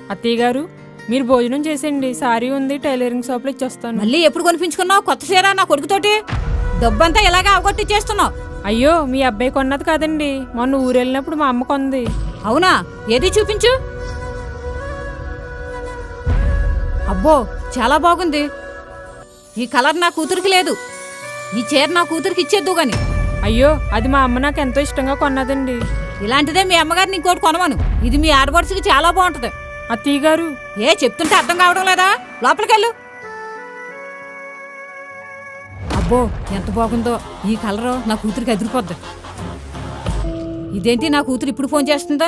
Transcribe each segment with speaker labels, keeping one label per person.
Speaker 1: అత్తయ్య గారు మీరు భోజనం చేసేయండి, సారీ ఉంది, టైలరింగ్ షాప్లో ఇచ్చేస్తాను.
Speaker 2: మళ్ళీ ఎప్పుడు కొనిపించుకున్నావు కొత్త చీర నా కొడుకుతోటి? డబ్బంతా ఇలాగే అవగొట్టిచ్చేస్తున్నావు.
Speaker 1: అయ్యో మీ అబ్బాయి కొన్నది కాదండి, మొన్న ఊరెళ్ళినప్పుడు మా అమ్మ కొంది.
Speaker 2: అవునా? ఏది చూపించు. అబ్బో చాలా బాగుంది. ఈ కలర్ నా కూతురికి లేదు. ఈ చీర నా కూతురికి ఇచ్చేద్దు గాని.
Speaker 1: అయ్యో అది మా అమ్మ నాకు ఎంతో ఇష్టంగా కొన్నదండి.
Speaker 2: ఇలాంటిదే మీ అమ్మగారిని ఇంకోటి కొనమను. ఇది మీ ఆడపడుచుకి చాలా బాగుంటది.
Speaker 1: అత్తయ్య గారు
Speaker 2: ఏ చెప్తుంటే అర్థం కావడం లేదా? లోపలికెళ్ళు. అబ్బో ఎంత బాగుందో ఈ కలరు. నా కూతురికి అదిరిపోద్ది. ఇదేంటి నా కూతురు ఇప్పుడు ఫోన్ చేస్తుందా?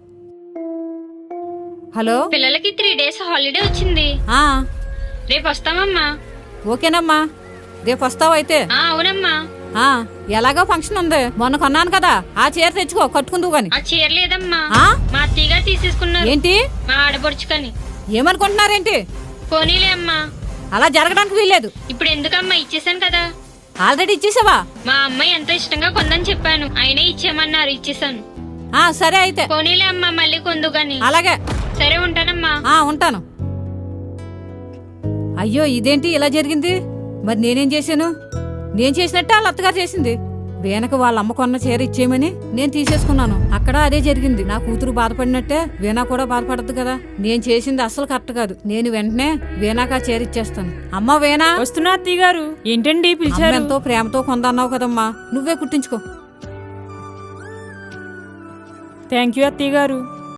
Speaker 2: హలో,
Speaker 3: పిల్లలకి 3 days హాలిడే వచ్చింది.
Speaker 2: ఆ
Speaker 3: రేపు వస్తామమ్మా.
Speaker 2: ఓకేనమ్మా, రేపు వస్తావు అయితే.
Speaker 3: అవునమ్మా.
Speaker 2: ఎలాగో ఫంక్షన్ ఉంది, మొన్న కొన్నాను కదా, ఆ చీర తెచ్చుకో, కట్టుకుందువు గాని.
Speaker 3: ఆ చీర లేదమ్మా,
Speaker 2: ఆ?
Speaker 3: మా అత్తయ్య గారు తీసేసుకున్నారు.
Speaker 2: ఏంటి?
Speaker 3: మా ఆడపడుచుకని.
Speaker 2: ఏమనుకుంటున్నారేంటి?
Speaker 3: పోనీలే అమ్మా.
Speaker 2: అలా జరగడానికి వీల్లేదు.
Speaker 3: ఇప్పుడు ఎందుకమ్మా, ఇచ్చేసాను కదా.
Speaker 2: ఆల్రెడీ ఇచ్చేసావా?
Speaker 3: మా అమ్మాయి ఎంతో ఇష్టంగా కొందని చెప్పాను, అయినా ఇచ్చేయమన్నారు, ఇచ్చేసాను.
Speaker 2: సరే అయితే.
Speaker 3: పోనీలే అమ్మా, మళ్ళీ కొందు గాని.
Speaker 2: అలాగే.
Speaker 3: సరే ఉంటానమ్మా.
Speaker 2: ఉంటాను. అయ్యో ఇదేంటి ఇలా జరిగింది? మరి నేనేం చేశాను? నేను చేసినట్టే వాళ్ళ అత్తగారు చేసింది. వీణకు వాళ్ళ అమ్మ కొన్న చీర ఇచ్చేయమని నేను తీసేసుకున్నాను. అక్కడ అదే జరిగింది. నా కూతురు బాధపడినట్టే వీణా కూడా బాధపడద్దు కదా. నేను చేసింది అస్సలు కరెక్ట్ కాదు. నేను వెంటనే వీణాకు ఆ చీర ఇచ్చేస్తాను. అమ్మ వీణా.
Speaker 1: వస్తున్నా అత్తయ్య గారు. ఏంటండి పిలిచారు?
Speaker 2: ఎంతో ప్రేమతో కొందన్నావు కదమ్మా, నువ్వే కుట్టించుకో.
Speaker 1: థ్యాంక్ యూ అత్తయ్య గారు.